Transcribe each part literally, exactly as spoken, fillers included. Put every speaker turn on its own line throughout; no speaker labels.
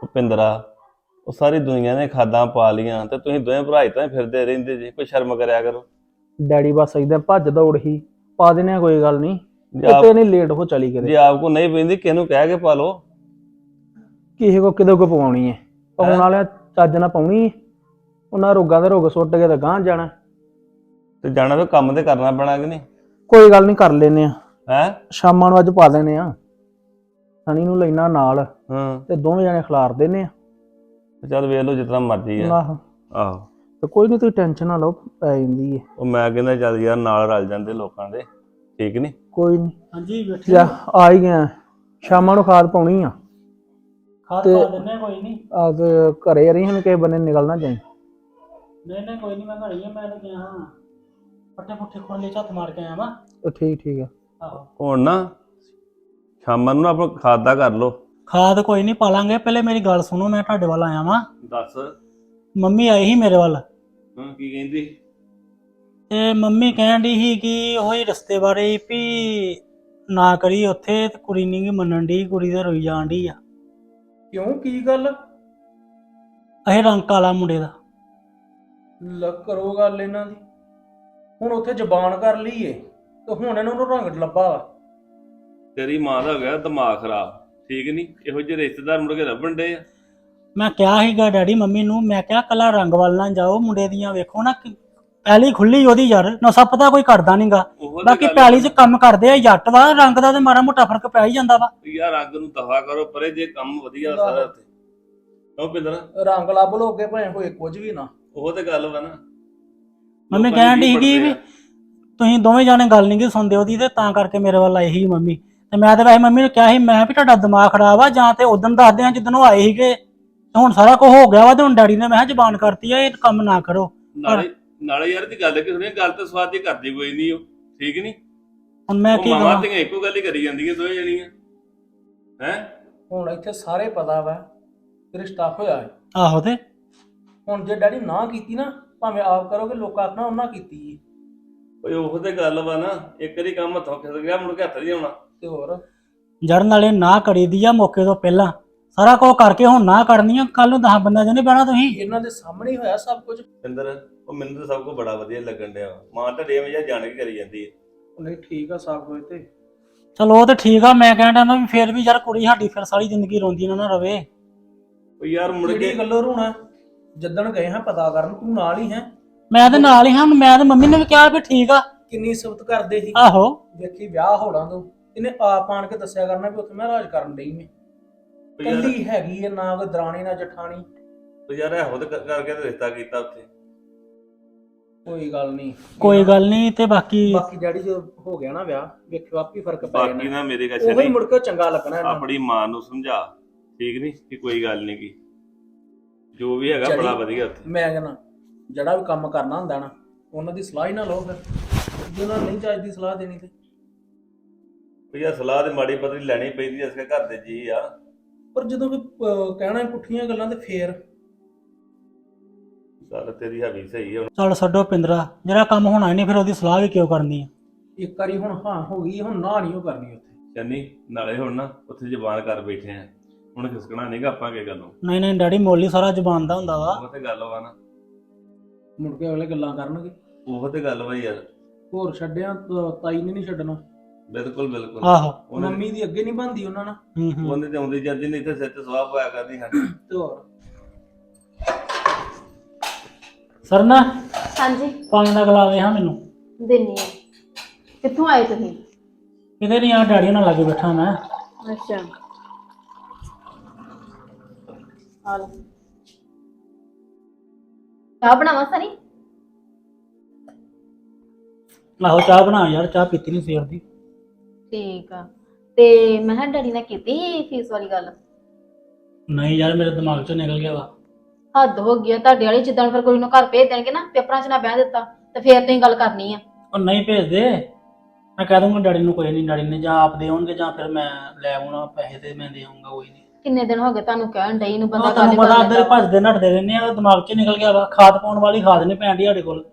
ਭੁਪਿੰਦਰਾ ਉਹ ਸਾਰੀ ਦੁਨੀਆ ਨੇ ਖਾਦਾਂ ਪਾ ਲੀਆਂ ਤੇ ਤੁਸੀਂ ਦੋਵੇਂ ਭਰਾ ਹੀ ਤਾਂ ਫਿਰਦੇ ਰਹਿੰਦੇ ਜੀ। ਕੋਈ ਸ਼ਰਮ ਕਰਿਆ ਕਰੋ।
ਡੈਡੀ ਬਸ ਏਦਾਂ ਭੱਜ ਦੌੜ ਹੀ ਪਾ ਦੇਣੇ ਆ, ਕੋਈ ਗੱਲ ਨਹੀਂ।
ਜੇ ਆਪ
ਕਿਤੇ ਨਹੀਂ ਲੇਟ ਹੋ ਚਲੀ ਕਿਤੇ।
ਜੇ ਆਪ ਕੋ ਨਹੀਂ ਪੈਂਦੀ ਕਿਹਨੂੰ ਕਹਿ ਕੇ ਪਾ ਲਓ।
ਕਿਸੇ ਕੋ ਕਿਤੇ ਕੋ ਪਵਾਉਣੀ ਹੈ, ਪਾਉਣ ਵਾਲਿਆਂ ਚੱਜ ਨਾਲ ਪਾਉਣੀ ਹੈ। ਉਹਨਾਂ ਰੋਗਾਂ ਦੇ ਰੋਗ ਸੁੱਟ ਕੇ ਤਾਂ ਗਾਂਹ ਜਾਣਾ
ਤੇ ਜਾਣਾ ਫਿਰ ਕੰਮ ਤੇ ਕਰਨਾ ਪੈਣਾ ਕਿ ਨਹੀਂ?
ਕੋਈ ਗੱਲ ਨਹੀਂ, ਕਰ ਲੈਨੇ ਆ।
ਹੈ
ਸ਼ਾਮਾਂ ਨੂੰ ਅੱਜ ਪਾ ਦੇਣੇ ਆ। ਸਣੀ ਨੂੰ ਲੈਣਾ ਨਾਲ
ਹਾਂ
ਤੇ ਦੋਵੇਂ ਜਣੇ ਖਿਲਾਰ ਦੇਨੇ ਆ।
ਚੱਲ ਵੇਖ ਲਓ ਜਿਤਨਾ ਮਰਜ਼ੀ ਆ।
ਆਹੋ
ਆਹੋ
ਤੇ ਕੋਈ ਨਹੀਂ, ਤੁਸੀਂ ਟੈਨਸ਼ਨ ਨਾ ਲਓ, ਪੈ ਜਾਂਦੀ ਹੈ।
ਉਹ ਮੈਂ ਕਹਿੰਦਾ ਚੱਲ ਯਾਰ ਨਾਲ ਰਲ ਜਾਂਦੇ ਲੋਕਾਂ ਦੇ, ਠੀਕ ਨਹੀਂ?
ਕੋਈ ਨਹੀਂ।
ਹਾਂਜੀ ਬੈਠੇ
ਜਾ ਆ ਹੀ ਗਿਆ। ਸ਼ਾਮਾਂ ਨੂੰ ਖਾਦ ਪਾਉਣੀ ਆ।
ਖਾਦ
ਤੇ-
ਪਾ ਦਿੰਨੇ ਆ, ਕੋਈ ਨਹੀਂ।
ਆ ਤੇ ਘਰੇ ਰਹੀ ਹੁਣ, ਕਿਸੇ ਬੰਨੇ ਨਿਕਲ ਨਾ ਜਾਈ।
ਨਹੀਂ ਨਹੀਂ ਕੋਈ ਨਹੀਂ, ਮੈਂ ਘੜੀ ਆ। ਮੈਂ ਤਾਂ ਗਿਆ ਹਾਂ ਪੱਠੇ ਪੁੱਠੇ ਖੋਲੇ ਝੱਤ ਮਾਰ ਕੇ ਆਇਆ ਵਾ।
ਉਹ ਠੀਕ ਠੀਕ ਆ।
ਆਹੋ
ਹੁਣ ਨਾ ਸ਼ਾਮਾਂ ਨੂੰ ਨਾ ਆਪਣਾ ਖਾਦ ਦਾ ਕਰ ਲਓ।
ਖਾਦ ਕੋਈ ਨਹੀਂ ਪਾ ਲਾਂਗੇ। ਪਹਿਲੇ ਮੇਰੀ ਗੱਲ ਸੁਣੋ, ਮੈਂ ਤੁਹਾਡੇ ਵੱਲ ਆਇਆ ਵਾਂ।
ਦੱਸ।
ਮੰਮੀ ਆਈ ਸੀ ਮੇਰੇ ਵੱਲ
ਹਾਂ ਕੀ ਕਹਿੰਦੀ?
ਤੇ ਮੰਮੀ ਕਹਿਣ ਡਈ ਸੀ ਕਿ ਉਹੀ ਰਸਤੇ ਬਾਰੇ ਵੀ ਨਾ ਕਰੀ ਉੱਥੇ, ਤੇ ਕੁੜੀ ਨਹੀਂ ਗੀ ਮੰਨਣ ਡਈ। ਕੁੜੀ ਤੇ ਰੋਈ ਜਾਣ ਡਈ ਆ।
ਕਿਉਂ, ਕੀ ਗੱਲ?
ਇਹ ਰੰਗ ਕਾਲਾ ਮੁੰਡੇ ਦਾ।
ਲ ਕਰੋ ਗੱਲ ਇਹਨਾਂ ਦੀ। ਹੁਣ ਉੱਥੇ ਜ਼ਬਾਨ ਕਰ ਲਈਏ ਤੇ ਹੁਣ ਇਹਨਾਂ ਨੂੰ ਰੰਗ ਲੱਭਾ ਵਾ।
ਤੇਰੀ ਮਾਂ ਦਾ ਹੋ ਗਿਆ ਦਿਮਾਗ ਖਰਾਬ, ਠੀਕ ਨਹੀਂ? ਇਹੋ ਜਿਹੇ ਰਿਸ਼ਤੇਦਾਰ ਮੁੜ ਕੇ ਲੱਭਣ ਡੇ ਆ।
ਮੈਂ ਕਿਹਾ ਸੀਗਾ ਡੈਡੀ ਮੰਮੀ ਨੂੰ, ਮੈਂ ਕਿਹਾ ਕੱਲਾ ਰੰਗ ਵੱਲ ਨਾ ਜਾਓ, ਮੁੰਡੇ ਦੀਆਂ ਵੇਖੋ ਨਾ ਕਿ ਪਹਿਲੀ ਖੁੱਲੀ ਉਹਦੀ ਯਾਰ, ਨਸ਼ਾ ਪਤਾ ਕੋਈ ਕਰਦਾ ਨਹੀਂਗਾ।
ਉਹ ਤੇ
ਬਾਕੀ
ਗੱਲ-
ਪੈਲੀ 'ਚ ਕੰਮ ਕਰਦੇ ਆ, ਜੱਟ ਵਾ, ਰੰਗ ਦਾ ਤੇ ਮਾੜਾ ਮੋਟਾ ਫਰਕ ਪੈ ਹੀ ਜਾਂਦਾ ਵਾ।
ਯਾਰ ਰੰਗ ਨੂੰ ਦਫਾ ਕਰੋ ਪਰੇ, ਜੇ ਕੰਮ ਵਧੀਆ ਸਾਰਾ ਉੱਥੇ। ਕਿਉਂ ਪਿੰਦਰ?
ਰੰਗ ਲੱਭ ਲੋਗੇ ਭਾਵੇਂ ਕੋਈ ਕੁਝ ਵੀ ਨਾ।
ਉਹ ਤੇ ਗੱਲ ਵਾ ਨਾ।
ਮੰਮੀ
ਲੋਕਾਂ
ਕਹਿਣ
ਦੀ
ਡਈ
ਕੀ
ਕਿ ਵੀ
ਪੜਦੇ
ਤੁਸੀਂ ਦੋਵੇਂ ਜਾਣੇ ਗੱਲ ਨਹੀਂ ਗੀ ਸੁਣਦੇ ਉਹਦੀ, ਤੇ ਤਾਂ ਕਰਕੇ ਮੇਰੇ ਵੱਲ ਆਏ ਸੀ ਮੰਮੀ। ਤੇ ਮੈਂ ਤੇ ਵੈਸੇ ਮੰਮੀ ਨੂੰ ਕਿਹਾ ਸੀ, ਮੈਂ ਵੀ ਤੁਹਾਡਾ ਦਿਮਾਗ ਖਰਾਬ ਆ, ਜਾਂ ਤੇ ਉਦੋਂ ਦੱਸਦੇ ਆ ਜਿੱਦਣ ਉਹ ਆਏ ਸੀਗੇ। ਤੇ ਹੁਣ ਸਾਰਾ ਕੁਝ ਹੋ ਗਿਆ ਵਾ, ਤੇ ਹੁਣ ਡੈਡੀ ਨੇ ਮੈਂ ਕਿਹਾ ਜ਼ਬਾਨ ਕਰਤੀ ਆ, ਇਹ ਕੰਮ ਨਾ ਕਰੋ।
ਆ। ਨਾਲੇ ਨਾਲੇ ਯਾਰ ਦੀ ਗੱਲ ਕਿ ਸੁਣੀ, ਗੱਲ ਤਾਂ ਸਵਾਦ ਦੀ ਕਰਦੀ ਕੋਈ ਨਹੀਂ ਉਹ, ਠੀਕ ਨਹੀਂ?
ਹੁਣ ਮੈਂ
ਉਹ
ਕੀ
ਮਾਵਾਂ
ਕਰਾਂ?
ਤੇ ਇੱਕੋ ਗੱਲ ਹੀ ਕਰੀ ਜਾਂਦੀਆਂ ਦੋਵੇਂ ਜਣੀਆਂ। ਹੈ
ਹੁਣ ਇੱਥੇ ਸਾਰੇ ਪਤਾ ਵਾ ਰਿਸ਼ਤਾ ਹੋਇਆ ਹੈ।
ਆਹੋ ਤੇ
ਹੁਣ ਜੇ ਡੈਡੀ ਨਾ ਕੀਤੀ ਨਾ, ਭਾਵੇਂ ਆਪ ਕਰੋਗੇ, ਲੋਕਾਂ ਆਖਣਾ ਉਹਨਾਂ ਕੀਤੀ ਹੈ।
ਓਏ ਉਹ ਤੇ ਗੱਲ ਵਾ ਨਾ, ਇੱਕ ਵਾਰੀ ਕੰਮ ਹੱਥੋਂ ਖਿਸ ਗਿਆ ਮੁੜ ਕੇ ਹੱਥ ਨਹੀਂ ਆਉਣਾ।
ਤੇ ਹੋਰ
ਜੜ ਨਾਲੇ ਨਾ ਕਰੀ ਦੀ ਆ ਮੌਕੇ ਤੋਂ ਪਹਿਲਾਂ, ਸਾਰਾ ਕੁਝ ਕਰਕੇ ਹੁਣ ਨਾ ਕਰਨੀ ਆ। ਕੱਲ ਨੂੰ ਦਸ ਬੰਦਿਆਂ 'ਚ ਨਹੀਂ ਬਹਿਣਾ ਤੁਸੀਂ।
ਇਹਨਾਂ ਦੇ ਸਾਹਮਣੇ ਹੀ ਹੋਇਆ ਸਭ ਕੁਝ।
ਪਿੰਦਰ ਉਹ ਮੈਨੂੰ ਤਾਂ ਸਭ ਕੁਝ ਬੜਾ ਵਧੀਆ ਲੱਗਣ ਡਿਆ ਵਾ। ਮਾਂ ਤੁਹਾਡੇ ਵਜਾ ਜਾਣ ਕੇ ਕਰੀ ਜਾਂਦੀ ਹੈ।
ਨਹੀਂ ਠੀਕ ਆ ਸਭ ਕੁਝ ਤੇ।
ਚਲੋ ਉਹ ਤੇ ਠੀਕ ਆ, ਮੈਂ ਕਹਿਣ ਡਿਆ ਨਾ ਵੀ ਫੇਰ ਵੀ ਯਾਰ ਕੁੜੀ ਸਾਡੀ ਫਿਰ ਸਾਰੀ ਜ਼ਿੰਦਗੀ ਰੋਂਦੀ ਨਾ ਨਾ ਰਵੇ।
ਉਹ ਯਾਰ ਮੁੜ ਕੇ
ਕਿਹੜੀ ਗੱਲੋਂ ਰੋਣਾ? ਜਿੱਦਣ ਗਏ ਹਾਂ ਪਤਾ ਕਰਨ, ਤੂੰ ਨਾਲ ਹੀ ਹੈ।
ਮੈਂ ਤੇ ਨਾਲ ਹੀ ਹਾਂ, ਹੁਣ ਮੈਂ ਤੇ ਮੰਮੀ ਨੇ ਵੀ ਕਿਹਾ ਵੀ ਠੀਕ ਆ।
ਕਿੰਨੀ ਸਿਫਤ ਕਰਦੇ ਸੀ।
ਆਹੋ
ਵੇਖੀ ਵਿਆਹ ਹੋਣਾ ਤੋਂ ਇਹਨੇ ਆਪ ਆਣ ਕੇ ਦੱਸਿਆ ਕਰਨਾ ਵੀ ਉੱਥੇ ਮੈਂ ਰਾਜ ਕਰਨ ਡਈ ਮੈਂ।
ਉਹ ਯਾਰ-
ਕੱਲੀ ਹੈਗੀ ਹੈ, ਨਾ ਕੋਈ ਦਰਾਣੀ ਨਾ ਜਠਾਣੀ।
ਉਹ ਯਾਰ ਇਹੋ ਤੇ ਕਰ- ਕਰਕੇ ਤੇ ਰਿਸ਼ਤਾ ਕੀਤਾ ਉੱਥੇ।
ਕੋਈ ਗੱਲ ਨਹੀਂ,
ਕੋਈ ਗੱਲ ਨਹੀਂ। ਤੇ ਬਾਕੀ
ਬਾਕੀ ਡੈਡੀ ਜੋ ਹੋ ਗਿਆ ਨਾ ਵਿਆਹ, ਵੇਖਿਓ ਆਪੀ ਫਰਕ ਪੈ
ਬਾਕੀ
ਜਾਣਾ।
ਨਾ ਮੇਰੇ ਕਾ
ਉਹੀ ਮੁੜ ਕੇ ਚੰਗਾ ਲੱਗਣਾ ਇਹਨਾਂ ਨੂੰ।
ਆਪਣੀ ਮਾਂ ਨੂੰ ਸਮਝਾ, ਠੀਕ ਨਹੀਂ? ਕਿ ਕੋਈ ਗੱਲ ਨਹੀਂ ਕੀ ਜੋ ਵੀ ਹੈਗਾ ਬੜਾ ਵਧੀਆ ਉੱਥੇ।
ਮੈਂ ਕਹਿੰਦਾ ਜਿਹੜਾ ਵੀ ਕੰਮ ਕਰਨਾ ਹੁੰਦਾ ਨਾ, ਉਹਨਾਂ ਦੀ ਸਲਾਹ ਹੀ ਨਾ ਲਓ। ਫਿਰ ਜੇ ਉਹਨਾਂ ਨਹੀਂ ਚੱਜ ਦੀ ਸਲਾਹ ਦੇਣੀ ਤੇ
ਉਹ ਯਾਰ ਸਲਾਹ ਤੇ ਮਾੜੀ ਪਤਲੀ ਲੈਣੀ ਪੈਂਦੀ, ਇਸ ਘਰ ਦੇ ਜੀ ਆ।
ਪਰ ਜਦੋਂ ਕੋਈ ਅਹ, ਕਹਿਣਾ ਹੀ ਪੁੱਠੀਆਂ ਗੱਲਾਂ ਤੇ ਫੇਰ
ਗੱਲ ਤੇਰੀ ਹੈਗੀ ਸਹੀ ਆ।
ਚੱਲ ਛੱਡੋ ਪਿੰਦਰਾ, ਜਿਹੜਾ ਕੰਮ ਹੋਣਾ ਹੀ ਨਹੀਂ ਫਿਰ ਉਹਦੀ ਸਲਾਹ ਵੀ ਕਿਉਂ ਕਰਨੀ ਆ।
ਇੱਕ ਵਾਰੀ ਹੁਣ ਹਾਂ ਹੋ ਗਈ, ਹੁਣ ਨਾ ਨਹੀਂ ਉਹ ਕਰਨੀ ਉੱਥੇ।
ਚੰਨੀ ਨਾਲੇ ਹੁਣ ਨਾ ਉੱਥੇ ਜ਼ਬਾਨ ਕਰ ਬੈਠੇ ਆ, ਹੁਣ ਖਿਸਕਣਾ ਨਹੀਂਗਾ ਆਪਾਂ ਕੀ ਗੱਲੋਂ।
ਨਹੀਂ ਨਹੀਂ ਡੈਡੀ ਮੋਲੀ ਸਾਰਾ ਜ਼ਬਾਨ ਦਾ ਹੁੰਦਾ ਵਾ।
ਉਹ ਤੇ ਗੱਲ ਵਾ ਨਾ,
ਮੁੜ ਕੇ ਅਗਲੇ ਗੱਲਾਂ ਕਰਨਗੇ।
ਉਹ ਤੇ ਗੱਲ ਵਾ ਯਾਰ।
ਹੋਰ ਛੱਡਿਆ ਤਾਂ ਤਾਈ ਨੇ ਨਹੀਂ ਛੱਡਣਾ।
ਬਿਲਕੁਲ ਬਿਲਕੁਲ।
ਆਹੋ
ਉਹਨੇ
ਮੰਮੀ ਦੀ ਅੱਗੇ ਨਹੀਂ ਬਣਦੀ ਉਹਨਾਂ ਨਾਲ।
ਹੂੰ ਹੂੰ
ਉਹਨੇ ਤੇ ਆਉਂਦੀ ਜਾਂਦੀ ਨਹੀਂ ਇੱਥੇ ਸਿਰ ਤੇ ਸਵਾਹ ਪਾਇਆ ਕਰਦੀ ਸਾਡੀ।
ਤੇ ਹੋਰ
ਸਰਨਾ
ਹਾਂਜੀ
ਪਾਣੀ ਦਾ ਗਲਾਸ ਦੇ ਹਾਂ ਮੈਨੂੰ।
ਦਿੰਨੀ ਆ। ਕਿੱਥੋਂ ਆਏ ਤੁਸੀਂ?
ਕਿਤੇ ਨਹੀਂ ਆ, ਡੈਡੀ ਨਾਲ ਲਾਗੇ ਬੈਠਾ ਮੈਂ।
ਅੱਛਾ ਆ ਲਓ। ਚਾਹ ਬਣਾਵਾਂ ਸਨੀ?
ਆਹੋ ਚਾਹ ਬਣਾ ਯਾਰ, ਚਾਹ ਪੀਤੀ ਨਹੀਂ ਸਵੇਰ ਦੀ।
ਠੀਕ ਆ। ਤੇ ਮੈਂ ਕਿਹਾ ਡੈਡੀ ਨਾਲ ਕੀਤੀ ਸੀ ਫੀਸ ਵਾਲੀ ਗੱਲ?
ਨਹੀਂ ਯਾਰ ਮੇਰੇ ਦਿਮਾਗ ਚੋਂ ਨਿਕਲ ਗਿਆ ਵਾ।
ਹੱਦ ਹੋ ਗਈ ਆ ਤੁਹਾਡੇ ਵਾਲੀ। ਜਿੱਦਾਂ ਫਿਰ ਕੋਈ ਨੂੰ ਘਰ ਭੇਜ ਦੇਣਗੇ ਨਾ, ਪੇਪਰਾਂ 'ਚ ਨਾ ਬਹਿ ਦਿੱਤਾ ਤੇ ਫੇਰ ਤੁਸੀਂ ਗੱਲ ਕਰਨੀ ਆ।
ਉਹ ਨਹੀਂ ਭੇਜਦੇ, ਮੈਂ ਕਹਿ ਦੂੰਗਾ ਡੈਡੀ ਨੂੰ। ਕੋਈ ਨਹੀਂ, ਡੈਡੀ ਨੇ ਜਾਂ ਆਪ ਦੇ ਆਉਣਗੇ ਜਾਂ ਫਿਰ ਮੈਂ ਲੈ ਆਉਣਾ ਪੈਸੇ ਤੇ ਮੈਂ ਦੇ ਆਉਂਗਾ। ਕੋਈ ਨਹੀਂ।
ਕਿੰਨੇ ਦਿਨ ਹੋ ਗਏ ਤੁਹਾਨੂੰ ਕਹਿਣ ਡਈ ਨੂੰ, ਬੰਦਾ
ਉਹ ਤੁਹਾਨੂੰ
ਗੱਲ
ਪਤਾ
ਕਰ
ਅੰਦਰ
ਲੈਂਦਾ।
ਭੱਜਦੇ ਨੱਠਦੇ ਰਹਿੰਦੇ ਆ, ਦਿਮਾਗ 'ਚ ਨਿਕਲ ਗਿਆ ਵਾ। ਖਾਦ ਪਾਉਣ ਵਾਲੀ ਖਾਦ ਨਹੀਂ ਪੈਣ ਡਈ ਸਾਡੇ ਕੋਲ।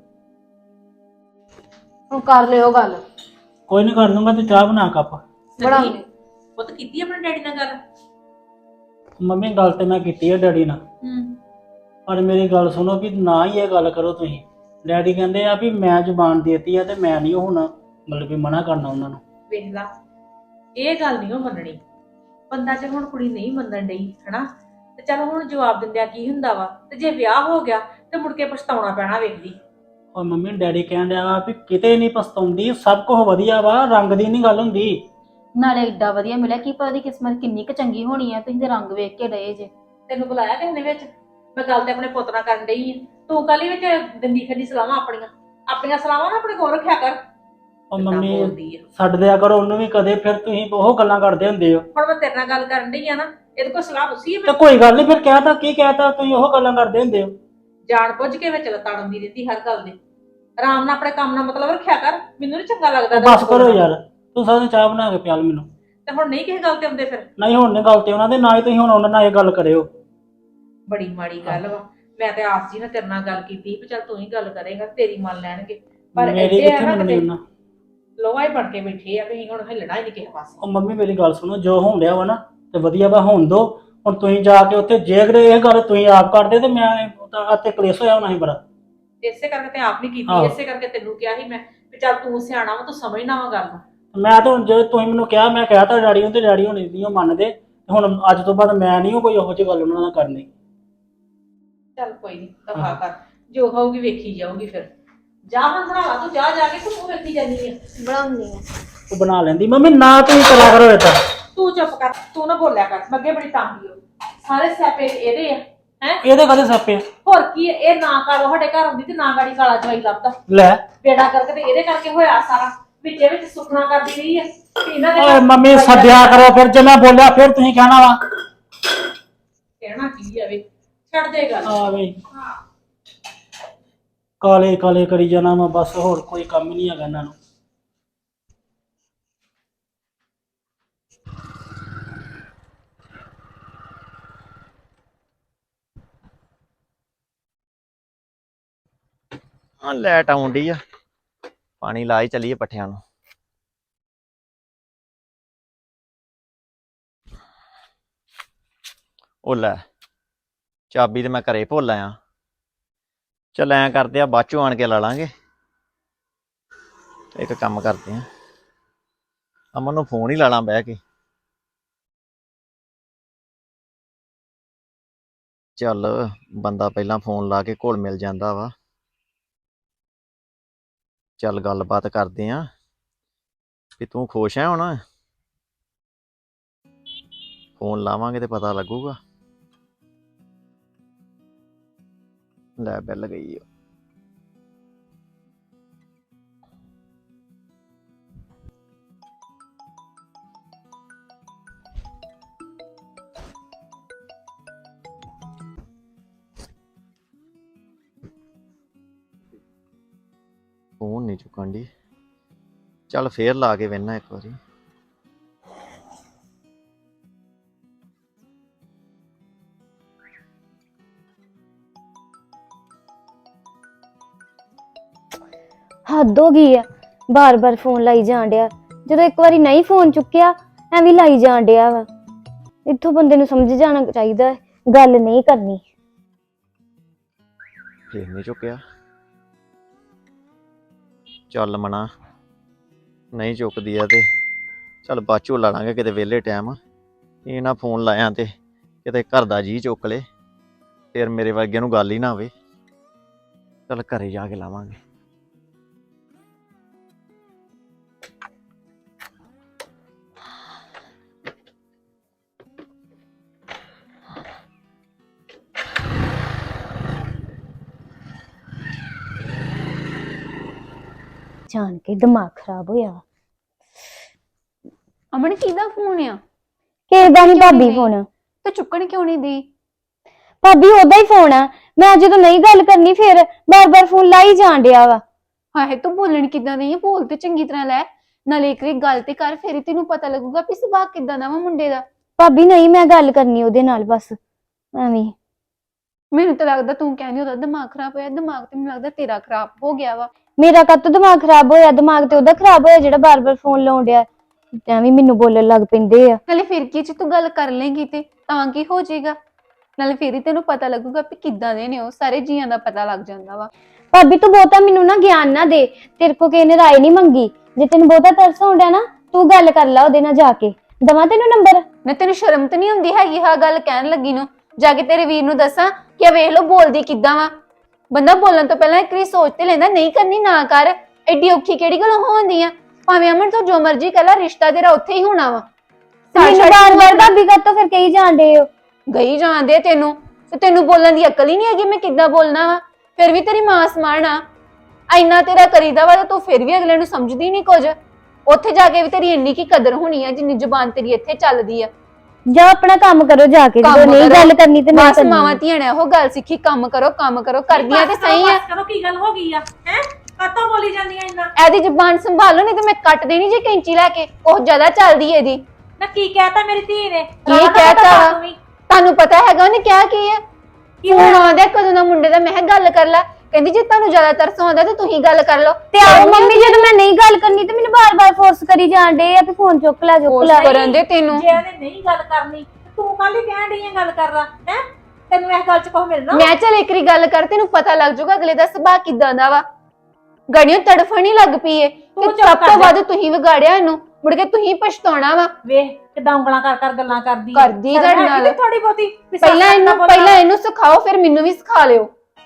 ਹੁਣ ਕਰ ਲਿਓ ਗੱਲ।
ਕੋਈ ਨਹੀਂ ਕਰ ਲੂੰਗਾ, ਤੇ ਚਾਹ ਬਣਾ ਕੱਪ।
ਬਣਾ
ਸਨੀ, ਪੁੱਤ ਕੀਤੀ ਆਪਣੇ ਡੈਡੀ ਨਾਲ ਗੱਲ?
ਮੰਮੀ ਗੱਲ ਤੇ ਮੈਂ ਕੀਤੀ ਹੈ ਡੈਡੀ ਨਾਲ,
ਹੂੰ
ਪਰ ਮੇਰੀ ਗੱਲ ਸੁਣੋ ਵੀ ਨਾ ਹੀ ਇਹ ਗੱਲ ਕਰੋ ਤੁਸੀਂ। ਡੈਡੀ ਕਹਿੰਦੇ ਆ ਵੀ ਮੈਂ ਜ਼ੁਬਾਨ ਦੇਤੀ ਆ ਤੇ ਮੈਂ ਨਹੀਂ ਹੁਣ ਮਤਲਬ ਵੀ ਮਨਾ ਕਰਨਾ ਉਹਨਾਂ ਨੂੰ।
ਵੇਖ ਲਾ, ਇਹ ਗੱਲ ਨਹੀਂ ਉਹ ਮੰਨਣੀ। ਬੰਦਾ ਜੇ ਹੁਣ ਕੁੜੀ ਨਹੀਂ ਮੰਨਣ ਡਈ ਹਨਾ, ਤੇ ਚਲ ਹੁਣ ਜਵਾਬ ਦਿੰਦਿਆਂ ਕੀ ਹੁੰਦਾ ਵਾ, ਤੇ ਜੇ ਵਿਆਹ ਹੋ ਗਿਆ ਤੇ ਮੁੜ ਕੇ ਪਛਤਾਉਣਾ ਪੈਣਾ ਵੇਖਦੀ।
ਔਰ ਮੰਮੀ ਡੈਡੀ ਕਹਿਣ ਡਿਆ ਵੀ ਕਿਤੇ ਨਹੀਂ ਪਛਤਾਉਂਦੀ, ਸਭ ਕੁਝ ਵਧੀਆ ਵਾ, ਰੰਗ ਦੀ ਨਹੀਂ ਗੱਲ ਹੁੰਦੀ।
ਨਾਲੇ ਏਡਾ ਵਧੀਆ ਮਿਲਿਆ, ਕੀ ਪਤਾ ਉਹਦੀ ਕਿਸਮਤ ਕਿੰਨੀ ਕੁ ਚੰਗੀ ਹੋਣੀ ਆ, ਤੁਸੀਂ ਤੇ ਰੰਗ ਵੇਖ ਕੇ ਡਏ ਜੇ।
ਤੈਨੂੰ ਬੁਲਾਇਆ ਕਿਸੇ ਨੇ ਵਿੱਚ? ਮੈਂ ਗੱਲ ਤੇ ਆਪਣੇ ਪੁੱਤ ਨਾਲ ਕਰਨ ਡਈ ਆ, ਤੂੰ ਕਾਲੀ ਵਿੱਚ ਦਿੰਦੀ ਫਿਰਦੀ ਸਲਾਹਾਂ ਆਪਣੀਆਂ ਆਪਣੀਆਂ ਸਲਾਹਾਂ ਨਾ ਆਪਣੇ ਕੋਲ ਰੱਖਿਆ ਕਰ।
ਉਹ
ਕਿੱਦਾਂ
ਮੰਮੀ
ਬੋਲਦੀ ਆ।
ਛੱਡ ਦਿਆ ਕਰੋ ਉਹਨੂੰ ਵੀ ਕਦੇ, ਫਿਰ ਤੁਸੀਂ ਉਹ ਗੱਲਾਂ ਕਰਦੇ ਹੁੰਦੇ ਹੋ।
ਹੁਣ ਮੈਂ ਤੇਰੇ ਨਾਲ ਗੱਲ ਕਰਨ ਡਈ ਆ ਨਾ, ਇਹਦੇ ਕੋਲ ਸਲਾਹ ਪੁੱਛੀ ਆ
ਤੇ
ਮੈਂ?
ਕੋਈ ਗੱਲ ਨਹੀਂ, ਫਿਰ ਕਹਿਤਾ ਕੀ ਕਹਿਤਾ, ਤੁਸੀਂ ਉਹ ਗੱਲਾਂ ਕਰਦੇ ਹੁੰਦੇ ਹੋ।
ਜਾਣ ਬੁੱਝ ਕੇ ਵਿੱਚ ਲਤਾੜਦੀ ਰਹਿੰਦੀ ਹਰ ਗੱਲ ਦੇ। ਆਰਾਮ ਨਾਲ ਆਪਣੇ ਕੰਮ ਨਾਲ ਮਤਲਬ ਰੱਖਿਆ ਕਰ, ਮੈਨੂੰ ਨੀ ਚੰਗਾ ਲੱਗਦਾ।
ਉਹ ਬਸ ਕਰੋ ਯਾਰ, ਤੂੰ ਸਾਰਿਆਂ ਚਾਹ ਬਣਾ ਕੇ ਪਿਆਲ ਮੈਨੂੰ।
ਤੇ ਹੁਣ ਨਹੀਂ ਕਿਸੇ ਗੱਲ ਤੇ ਆਉਂਦੇ ਫਿਰ?
ਨਹੀਂ ਹੁਣ ਨਹੀਂ ਗੱਲ ਤੇ ਉਹਨਾਂ ਦੇ, ਨਾ ਹੀ ਤੁਸੀਂ ਹੁਣ ਉਹਨਾਂ ਨਾਲ ਇਹ ਗੱਲ ਕਰਿਓ।
ਬੜੀ ਮਾੜੀ ਗੱਲ ਵਾ। ਮੈਂ ਤੇ ਆਸ ਜੀ ਨਾਲ ਤੇਰੇ ਨਾਲ ਗੱਲ ਕੀਤੀ ਵੀ ਚੱਲ ਤੂੰ ਹੀ ਗੱਲ ਕਰੇਗਾ, ਤੇਰੀ ਮੰਨ ਲੈਣਗੇ, ਪਰ
ਮੇਰੀ
ਇੱਥੇ ਆ
ਕਿੱਥੇ
ਨਾ
ਮੰਨਣੀ
ਕਿਤੇ
ਉਹਨਾਂ।
ਲੋਹਾ ਹੀ ਬਣ ਕੇ ਬੈਠੇ ਆ ਵੀ ਅਸੀਂ ਹੁਣ ਹਿੱਲਣਾ ਹੀ ਨਹੀਂ ਕਿਸੇ ਪਾਸੇ।
ਉਹ ਮੰਮੀ ਮੇਰੀ ਗੱਲ ਸੁਣੋ, ਜੋ ਹੋਣ ਡਿਆ ਵਾ ਨਾ ਤੇ ਵਧੀਆ ਵਾ, ਹੋਣ ਦੋ। ਹੁਣ ਤੁਸੀਂ ਜਾ ਕੇ ਉੱਥੇ ਜੇ ਅਗਰ ਇਹ ਗੱਲ ਤੁਸੀਂ ਆਪ ਕਰਦੇ ਤੇ ਮੈਂ ਅਤੇ ਕਲੇਸ਼ ਹੋਇਆ ਹੋਣਾ ਸੀ ਬੜਾ।
ਇਸੇ ਕਰਕੇ ਤੇ ਆਪ ਨਹੀਂ ਕੀਤੀ,
ਆਹੋ।
ਇਸੇ ਕਰਕੇ ਤੈਨੂੰ ਕਿਹਾ ਸੀ ਮੈਂ ਵੀ ਚੱਲ ਤੂੰ ਸਿਆਣਾ ਵਾ, ਤੂੰ ਸਮਝਣਾ ਵਾ ਗੱਲ।
ਮੈਂ ਤਾਂ ਹੁਣ ਜੇ ਤੁਸੀਂ ਮੈਨੂੰ ਕਿਹਾ, ਮੈਂ ਕਿਹਾ ਤਾਂ ਡੈਡੀ ਨੂੰ, ਤੇ ਡੈਡੀ ਹੁਣ ਨਹੀਂ ਉਹ ਮੰਨਦੇ। ਤੇ ਹੁਣ ਅੱਜ ਤੋਂ ਬਾਅਦ ਮੈਂ ਨਹੀਂ ਕੋਈ ਉਹੋ ਜਿਹੀ ਗੱਲ ਉਹਨਾਂ ਨਾਲ ਕਰਨੀ।
ਚੱਲ ਕੋਈ ਨਹੀਂ, ਦਫਾ ਕਰ, ਜੋ ਹੋਊਗੀ ਵੇਖੀ ਜਾਊਗੀ। ਫਿਰ ਜਾ ਹਾਂ ਭਰਾਵਾ, ਤੂੰ ਜਾ ਜਾ ਕੇ ਤੂੰ ਵੇਖੀ ਜਾਨੀ ਆ।
ਬਣਾਉਣੀ ਆ।
ਉਹ ਬਣਾ ਲੈਂਦੀ ਮੰਮੀ, ਨਾ ਤੁਸੀਂ ਕਰਿਆ ਕਰੋ ਏਦਾਂ।
ਤੂੰ ਚੁੱਪ ਕਰ, ਤੂੰ ਨਾ ਬੋਲਿਆ ਕਰ, ਮੈਂ ਅੱਗੇ ਬੜੀ ਤੰਗ ਹੋ। ਸਾਰੇ ਸਿਆਪੇ ਇਹਦੇ ਆ ਹੈ।
ਇਹਦੇ ਕਦੇ ਸੱਪੇ
ਹੋਰ ਕੀ ਆ, ਇਹ ਨਾ ਕਾਲੋ ਸਾਡੇ ਘਰ ਆਉਂਦੀ ਤੇ ਨਾ ਗਾੜੀ ਕਾਲਾ ਜਵਾਈ ਲੱਭਦਾ।
ਲੈ।
ਬੇੜਾ ਕਰਕੇ ਤੇ ਇਹਦੇ ਕਰਕੇ ਹੋਇਆ ਸਾਰਾ, ਵਿੱਚੇ ਵਿੱਚ ਸੁਖਣਾ ਕਰਦੀ ਰਹੀ ਆ ਤੇ ਇਹਨਾਂ ਦੇ
ਓਏ
ਘਰ
ਮੰਮੀ
ਜਵਾਈ
ਸੱਦਿਆ
ਲੱਭਦਾ।
ਕਰੋ, ਫਿਰ ਜੇ ਮੈਂ ਬੋਲਿਆ ਫਿਰ ਤੁਸੀਂ ਕਹਿਣਾ ਵਾ।
ਕਹਿਣਾ ਕੀ ਆ ਵੇ, ਛੱਡ ਦੇ ਗੱਲ।
ਆ ਵੇ ਕਾਲੇ ਕਾਲੇ ਕਰੀ ਜਾਣਾ ਵਾ ਬਸ, ਹੋਰ ਕੋਈ ਕੰਮ ਨਹੀਂ ਹੈਗਾ ਇਹਨਾਂ ਨੂੰ।
ਹਾਂ ਲਾਈਟ ਆਉਣ ਡਈ ਆ, ਪਾਣੀ ਲਾ ਹੀ ਚੱਲੀਏ ਪੱਠਿਆਂ ਨੂੰ। ਉਹ ਲੈ, ਚਾਬੀ ਤੇ ਮੈਂ ਘਰੇ ਭੁੱਲ ਆਇਆ। ਚੱਲ ਐਂ ਕਰਦੇ ਆ, ਬਾਅਦ ਚੋਂ ਆਣ ਕੇ ਲਾ ਲਾਂਗੇ। ਇੱਕ ਕੰਮ ਕਰਦੇ ਆ, ਅਮਨ ਨੂੰ ਫੋਨ ਹੀ ਲਾ ਲਾਂ ਬਹਿ ਕੇ। ਚੱਲ ਬੰਦਾ ਪਹਿਲਾਂ ਫੋਨ ਲਾ ਕੇ ਘੁਲ ਮਿਲ ਜਾਂਦਾ ਵਾ। ਚੱਲ ਗੱਲਬਾਤ ਕਰਦੇ ਆਂ ਵੀ ਤੂੰ ਖੁਸ਼ ਹੈ ਹੁਣ। ਫੋਨ ਲਾਵਾਂਗੇ ਤੇ ਪਤਾ ਲੱਗੂਗਾ। ਲੈ ਬੈਲ ਗਈ ਆ। ਫੋਨ ਨਹੀਂ ਚੁੱਕਣ ਦੀ, ਚੱਲ ਫੇਰ ਲਾ ਕੇ ਵੇਖਣਾ ਇੱਕ ਵਾਰੀ।
ਹੱਦ ਹੋ ਗਈ ਆ, ਬਾਰ-ਬਾਰ ਫੋਨ ਲਾਈ ਜਾਣ ਡਿਆ। ਜਦੋਂ ਇੱਕ ਵਾਰੀ ਨਹੀਂ ਫੋਨ ਚੁੱਕਿਆ ਐਵੇਂ ਲਾਈ ਜਾਣ ਡਿਆ ਵਾ। ਇੱਥੋਂ ਬੰਦੇ ਨੂੰ ਸਮਝ ਜਾਣਾ ਚਾਹੀਦਾ, ਗੱਲ ਨਹੀਂ ਕਰਨੀ।
ਫੇਰ ਨਹੀਂ ਚੁੱਕਿਆ, ਚੱਲ ਮਨਾ ਨਹੀਂ ਚੁੱਕਦੀ ਆ ਤੇ ਚੱਲ ਬਾਚੋ ਲਾ ਲਾਂਗੇ ਕਿਤੇ ਵਿਹਲੇ ਟਾਈਮ। ਇਹ ਨਾ ਫੋਨ ਲਾਇਆ ਤੇ ਕਿਤੇ ਘਰ ਦਾ ਜੀ ਚੁੱਕ ਲੇ, ਫਿਰ ਮੇਰੇ ਵਰਗੇ ਨੂੰ ਗੱਲ ਹੀ ਨਾ ਹੋਵੇ। ਚੱਲ ਘਰੇ ਜਾ ਕੇ ਲਾਵਾਂਗੇ।
ਜਾਣ ਕੇ ਦਿਮਾਗ ਖਰਾਬ ਹੋਇਆ।
ਅਮਨ ਕਿਹਦਾ ਫੋਨ ਆ?
ਕਿਸੇ ਦਾ ਨਹੀਂ ਭਾਬੀ
ਨਹੀਂ?
ਫੋਨ।
ਤੇ ਚੁੱਕਣ ਕਿਉਂ ਨਹੀਂ ਦੀ?
ਭਾਬੀ ਉਹਦਾ ਹੀ ਫੋਨ ਆ। ਮੈਂ ਜਦੋਂ ਨਹੀਂ ਗੱਲ ਕਰਨੀ ਫਿਰ ਬਾਰ-ਬਾਰ ਫੋਨ ਲਾਈ ਜਾਣ ਡਿਆ ਵਾ।
ਹਾਏ ਤੂੰ ਬੋਲਣ ਕਿੱਦਾਂ ਨਹੀਂ ਆ? ਬੋਲ ਤੇ ਚੰਗੀ ਤਰ੍ਹਾਂ ਲੈ, ਨਾਲੇ ਇੱਕ ਵਾਰੀ ਗੱਲ ਤੇ ਕਰ, ਫਿਰ ਹੀ ਤੈਨੂੰ ਪਤਾ ਲੱਗੂਗਾ ਵੀ ਸੁਭਾਅ ਕਿੱਦਾਂ ਦਾ ਵਾ ਮੁੰਡੇ ਦਾ।
ਭਾਬੀ ਨਹੀਂ, ਮੈਂ ਗੱਲ ਕਰਨੀ ਉਹਦੇ ਨਾਲ ਬਸ ਐਵੇਂ।
ਮੈਨੂੰ ਤਾਂ ਲੱਗਦਾ ਤੂੰ ਕਹਿੰਦੀ ਉਹਦਾ ਦਿਮਾਗ ਖਰਾਬ ਹੋਇਆ। ਦਿਮਾਗ ਤੇ ਮੈਨੂੰ ਲੱਗਦਾ ਤੇਰਾ ਖਰਾਬ ਹੋ ਗਿਆ ਵਾ।
ਮੇਰਾ ਕਾਹਤੋਂ ਦਿਮਾਗ ਖਰਾਬ ਹੋਇਆ? ਦਿਮਾਗ ਤੇ ਉਹਦਾ ਖਰਾਬ ਹੋਇਆ ਜਿਹੜਾ ਬਾਰ-ਬਾਰ ਫੋਨ ਲਾਉਣ ਡਿਆ। ਐਵੇਂ ਮੈਨੂੰ ਬੋਲਣ ਲੱਗ ਪੈਂਦੇ ਆ।
ਨਾਲੇ ਫਿਰ ਕੀ ਜੇ ਤੂੰ ਗੱਲ ਕਰ ਲੇਂਗੀ ਤੇ ਤਾਂ ਕੀ ਹੋ ਜਾਏਗਾ। ਨਾਲੇ ਫਿਰ ਹੀ ਤੈਨੂੰ ਪਤਾ ਲੱਗੂਗਾ ਵੀ ਕਿੱਦਾਂ ਦੇ ਨੇ ਉਹ, ਸਾਰੇ ਜੀਆਂ ਦਾ ਪਤਾ ਲੱਗ ਜਾਂਦਾ ਵਾ।
ਭਾਬੀ ਤੂੰ ਬਹੁਤਾ ਮੈਨੂੰ ਨਾ ਗਿਆਨ ਨਾ ਦੇ, ਤੇਰੇ ਕੋ ਕਿਸੇ ਨੇ ਰਾਏ ਨਹੀਂ ਮੰਗੀ। ਜੇ ਤੈਨੂੰ ਬਹੁਤਾ ਤਰਸ ਆਉਂਦਾ ਨਾ ਤੂੰ ਗੱਲ ਕਰ ਲੈ ਉਹਦੇ ਨਾਲ ਜਾ ਕੇ। ਦਵਾ ਤੈਨੂੰ ਨੰਬਰ?
ਨਾ ਤੈਨੂੰ ਸ਼ਰਮ ਤਾਂ ਨਹੀਂ ਹੁੰਦੀ ਹੈਗੀ ਹਾਂ ਗੱਲ ਕਹਿਣ ਲੱਗੀ ਨੂੰ? ਜਾ ਕੇ ਤੇਰੇ ਵੀਰ ਨੂੰ ਦੱਸਾਂ ਕਿ ਆ ਵੇਖ ਲੋ ਬੋਲਦੀ ਕਿੱਦਾਂ ਵਾ। ਬੰਦਾ ਬੋਲਣ ਤੋਂ ਪਹਿਲਾਂ ਇੱਕ ਵਾਰੀ ਸੋਚ ਤੇ ਲੈਂਦਾ, ਨਹੀਂ ਕਰਨੀ ਨਾ ਕਰ। ਐਡੀ ਔਖੀ ਕਿਹੜੀ ਗੱਲ ਹੋਉਂਦੀ ਆ? ਭਾਵੇਂ ਅਮਨ ਤੋਂ ਜੋ ਮਰਜ਼ੀ ਕਰ ਲੈ, ਰਿਸ਼ਤਾ ਤੇਰਾ ਉੱਥੇ ਹੀ ਹੋਣਾ ਵਾ।
ਮੈਨੂੰ ਬਾਰ-ਬਾਰ ਭਾਬੀ ਕਾਤੋਂ ਫਿਰ ਕਹੀ ਜਾਂਦੇ ਹੋ?
ਗਈ ਜਾਂਦੇ ਆ ਤੈਨੂੰ, ਤੇ ਤੈਨੂੰ ਬੋਲਣ ਦੀ ਅਕਲ ਹੀ ਨਹੀਂ ਹੈਗੀ ਮੈਂ ਕਿੱਦਾਂ ਬੋਲਣਾ ਵਾ। ਫਿਰ ਵੀ ਤੇਰੀ ਮਾਂ ਸਮਾਨ ਆ, ਇੰਨਾ ਤੇਰਾ ਕਰੀਦਾ ਵਾ ਤੇ ਤੂੰ ਫਿਰ ਵੀ ਅਗਲੇ ਨੂੰ ਸਮਝਦੀ ਨਹੀਂ ਕੁਝ। ਉੱਥੇ ਜਾ ਕੇ ਵੀ ਤੇਰੀ ਇੰਨੀ ਕੀ ਕਦਰ ਹੋਣੀ ਆ ਜਿੰਨੀ ਜ਼ੁਬਾਨ ਤੇਰੀ ਇੱਥੇ ਚੱਲਦੀ ਆ।
ਜਾ ਆਪਣਾ ਕੰਮ ਕਰੋ ਜਾ ਕੇ, ਜਦੋਂ
ਕੰਮ
ਨਹੀਂ
ਕਰੋ।
ਗੱਲ ਕਰਨੀ ਤੇ ਨਹੀਂ
ਬਸ ਮਾਵਾਂ
ਕਰਨੀ।
ਧੀਆਂ ਨੇ ਉਹ ਗੱਲ ਸਿੱਖੀ, ਕੰਮ ਕਰੋ ਕੰਮ ਕਰੋ, ਕਰਦੀਆਂ ਤੇ
ਬਸ ਕਰੋ,
ਸਹੀ ਆ।
ਬਸ ਕਰੋ, ਕੀ ਗੱਲ ਹੋ ਗਈ ਆ ਹੈ? ਕਾਤੋਂ ਬੋਲੀ ਜਾਂਦੀਆਂ ਇੰਨਾ?
ਇਹਦੀ ਜ਼ੁਬਾਨ ਸੰਭਾਲੋ ਨਹੀਂ ਤੇ ਮੈਂ ਕੱਟ ਦੇਣੀ ਜੇ ਕੈਂਚੀ ਲੈ ਕੇ। ਉਹ ਜ਼ਿਆਦਾ ਚੱਲਦੀ ਇਹਦੀ।
ਨਾ ਕੀ ਕਹਿਤਾ ਮੇਰੀ ਧੀ ਨੇ?
ਕੀ
ਰੌਲਾ ਨਾ
ਕਹਿਤਾ
ਪਾ
ਵਾ?
ਤੂੰ ਵੀ।
ਤੁਹਾਨੂੰ ਪਤਾ ਹੈਗਾ ਉਹਨੇ ਕਿਹਾ ਕੀ ਹੈ?
ਕੀ
ਫੋਨ
ਹੋਇਆ?
ਆਉਂਦਾ ਕਦੋਂ ਦਾ ਮੁੰਡੇ ਦਾ, ਮੈਂ ਕਿਹਾ ਗੱਲ ਕਰ ਲੈ। ਕਹਿੰਦੀ ਜੇ ਤੁਹਾਨੂੰ ਜ਼ਿਆਦਾ ਤਰਸ ਆਉਂਦਾ ਤੇ ਤੁਸੀਂ ਗੱਲ ਕਰ ਲਓ।
ਤੇ ਆਓ ਮੰਮੀ, ਜਦੋਂ ਮੈਂ ਨਹੀਂ ਗੱਲ ਕਰਨੀ ਤੇ ਮੈਨੂੰ ਬਾਰ-ਬਾਰ ਫੋਰਸ ਕਰੀ ਜਾਂਦੇ ਆ ਕਿ ਫੋਨ ਚੁੱਕ ਲੈ ਚੁੱਕ ਲੈ।
ਕਰਨ ਦੇ ਤੈਨੂੰ।
ਜੇ ਉਹਨੇ ਨਹੀਂ ਗੱਲ ਕਰਨੀ ਤੇ ਤੂੰ ਕਾਹਲੀ ਕਹਿਣ ਡਈ ਆਂ ਗੱਲ ਕਰ ਲਾ ਹੈ? ਤੈਨੂੰ ਇਸ ਗੱਲ 'ਚ ਕੁਝ ਮਿਲਣਾ?
ਮੈਂ ਚੱਲ ਇੱਕ ਵਾਰੀ ਗੱਲ ਕਰ, ਤੈਨੂੰ ਪਤਾ ਲੱਗ ਜਾਊਗਾ ਅਗਲੇ ਦਾ ਸੁਭਾਅ ਕਿਦਾਂ ਦਾ ਵਾ। ਗੜੀਆਂ ਤੜਫਣ ਹੀ ਲੱਗ ਪਈ ਏ ਤੇ
ਤੂੰ ਚੁੱਪ
ਸਭ
ਕਰ
ਤੋਂ
ਜਾ।
ਵੱਧ ਤੁਸੀਂ ਵਿਗਾੜਿਆ ਇਹਨੂੰ, ਮੁੜ ਕੇ ਤੁਸੀਂ ਪਛਤਾਉਣਾ ਵਾ।
ਵੇਖ ਕਿਦਾਂ ਉਂਗਲਾਂ ਕਰ ਕਰ ਗੱਲਾਂ ਕਰਦੀ ਆ।
ਕਰਦੀ
ਸ਼ਰਮ
ਤੁਹਾਡੇ
ਹੈਗੀ
ਨਾਲ।
ਤੇ ਥੋੜੀ ਬਹੁਤੀ ਵੀ ਸੱਸ
ਪਹਿਲਾਂ
ਨਾਲ
ਇਹਨੂੰ
ਬੋਲਣਾ।
ਪਹਿਲਾਂ ਇਹਨੂੰ ਸਿਖਾਓ, ਫਿਰ ਮੈਨੂੰ ਵੀ ਸਿਖਾ ਲਿਓ।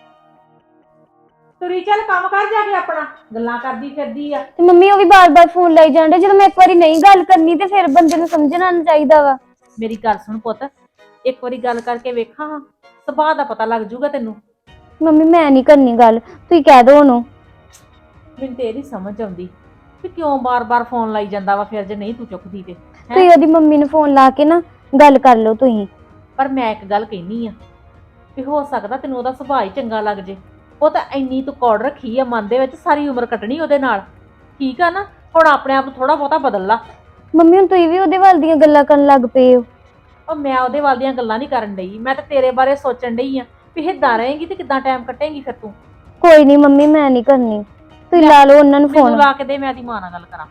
ਤੁਰੀ ਚੱਲ ਕੰਮ ਕਰ ਜਾ ਕੇ ਆਪਣਾ, ਗੱਲਾਂ ਕਰਦੀ ਫਿਰਦੀ ਆ।
ਤੇ ਮੰਮੀ ਉਹ ਵੀ ਬਾਰ-ਬਾਰ ਫੋਨ ਲਾਈ ਜਾਂਦੇ। ਜਦੋਂ ਮੈਂ ਇੱਕ ਵਾਰੀ ਨਹੀਂ ਗੱਲ ਕਰਨੀ ਤੇ ਫਿਰ ਬੰਦੇ ਨੂੰ ਸਮਝਣਾ ਚਾਹੀਦਾ ਵਾ।
ਮੇਰੀ ਗੱਲ ਸੁਣ ਪੁੱਤ, ਇੱਕ ਵਾਰੀ ਗੱਲ ਕਰਕੇ ਵੇਖਾਂ ਹਾਂ, ਸੁਭਾਅ ਦਾ ਪਤਾ ਲੱਗ ਜਾਊਗਾ ਤੈਨੂੰ।
ਮੰਮੀ ਮੈਂ ਨਹੀਂ ਕਰਨੀ ਗੱਲ, ਤੁਸੀਂ ਕਹਿ ਦੋ ਉਹਨੂੰ।
ਮੈਨੂੰ ਤੇ ਇਹਦੀ ਸਮਝ ਆਉਂਦੀ ਕਿ ਕਿਉਂ ਬਾਰ-ਬਾਰ ਫੋਨ ਲਾਈ ਜਾਂਦਾ ਵਾ ਫਿਰ ਜੇ ਨਹੀਂ ਤੂੰ ਚੁੱਕਦੀ ਤੇ। ਹੈਂ?
ਤੁਸੀਂ ਉਹਦੀ ਮੰਮੀ ਨੂੰ ਫੋਨ ਲਾ ਕੇ ਨਾ ਗੱਲ ਕਰ ਲਓ ਤੁਸੀਂ।
ਪਰ ਮੈਂ ਇੱਕ ਗੱਲ ਕਹਿਨੀ ਆ ਵੀ ਹੋ ਸਕਦਾ ਤੈਨੂੰ ਉਹਦਾ ਸੁਭਾਅ ਹੀ ਚੰਗਾ ਲੱਗ ਜੇ। ਉਹ ਤਾਂ ਇੰਨੀ ਤੂੰ ਕੌੜ ਰੱਖੀ ਆ ਮਨ ਦੇ ਵਿੱਚ, ਸਾਰੀ ਉਮਰ ਕੱਟਣੀ ਉਹਦੇ ਨਾਲ। ਠੀਕ ਆ ਨਾ? ਹੁਣ ਆਪਣੇ ਆਪ ਨੂੰ ਥੋੜਾ ਬਹੁਤਾ ਬਦਲ ਲਾ।
ਮੰਮੀ ਹੁਣ ਤੁਸੀਂ ਵੀ ਉਹਦੇ ਵੱਲ ਦੀਆਂ ਗੱਲਾਂ ਕਰਨ ਲੱਗ ਪਏ ਹੋ।
ਉਹ ਮੈਂ ਉਹਦੇ ਵੱਲ ਦੀਆਂ ਗੱਲਾਂ ਨਹੀਂ ਕਰਨ ਡਈ, ਮੈਂ ਤਾਂ ਤੇਰੇ ਬਾਰੇ ਸੋਚਣ ਡਈ ਆ ਵੀ ਹਿੱਦਾਂ ਰਹੇਂਗੀ ਤੇ ਕਿੱਦਾਂ ਟਾਈਮ ਕੱਟੇਂਗੀ ਫਿਰ ਤੂੰ।
ਕੋਈ ਨਹੀਂ ਮੰਮੀ ਮੈਂ ਨਹੀਂ ਕਰਨੀ, ਤੁਸੀਂ ਲਾ ਲਓ ਉਹਨਾਂ ਨੂੰ
ਮੈਨੂੰ
ਫੋਨ।
ਲਾ ਕੇ ਦੇ, ਮੈਂ ਉਹਦੀ ਮਾਂ ਨਾਲ ਗੱਲ ਕਰਾਂ।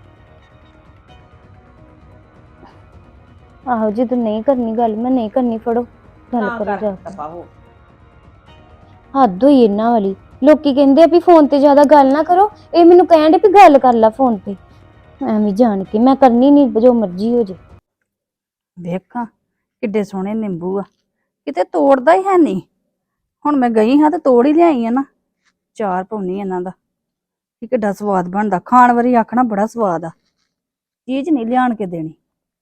ਆਹੋ ਜਦੋਂ ਨਹੀਂ ਕਰਨੀ ਗੱਲ, ਮੈਂ ਨਹੀਂ ਕਰਨੀ, ਫੜੋ ਗੱਲ
ਨਾ
ਕਰੋ
ਕਰ
ਜਾ ਕੇ।
ਦਫ਼ਾ ਹੋ।
ਹੱਦ ਹੋਈ ਇਹਨਾਂ ਵਾਲੀ। ਲੋਕੀ ਕਹਿੰਦੇ ਆ ਵੀ ਫੋਨ ਤੇ ਜ਼ਿਆਦਾ ਗੱਲ ਨਾ ਕਰੋ, ਇਹ ਮੈਨੂੰ ਕਹਿਣ ਦੇ ਵੀ ਗੱਲ ਕਰ ਲੈ ਫੋਨ ਤੇ। ਐਵੇਂ ਜਾਣ ਕੇ ਮੈਂ ਕਰਨੀ ਨਹੀਂ, ਜੋ ਮਰਜ਼ੀ ਹੋ ਜੇ।
ਦੇਖਾਂ ਕਿੱਡੇ ਸੋਹਣੇ ਨਿੰਬੂ ਆ, ਕਿਤੇ ਤੋੜਦਾ ਹੀ ਹੈ ਨਹੀਂ। ਹੁਣ ਮੈਂ ਗਈ ਹਾਂ ਤੇ ਤੋੜ ਹੀ ਲਿਆਈ ਆ ਨਾ। ਚਾਰ ਪਾਉਣੀ ਇਹਨਾਂ ਦਾ ਕਿ ਕਿੱਡਾ ਸਵਾਦ ਬਣਦਾ, ਖਾਣ ਵਾਰੀ ਆਖਣਾ ਬੜਾ ਸਵਾਦ ਆ। ਚੀਜ਼ ਨਹੀਂ ਲਿਆਣ ਕੇ ਦੇਣੀ।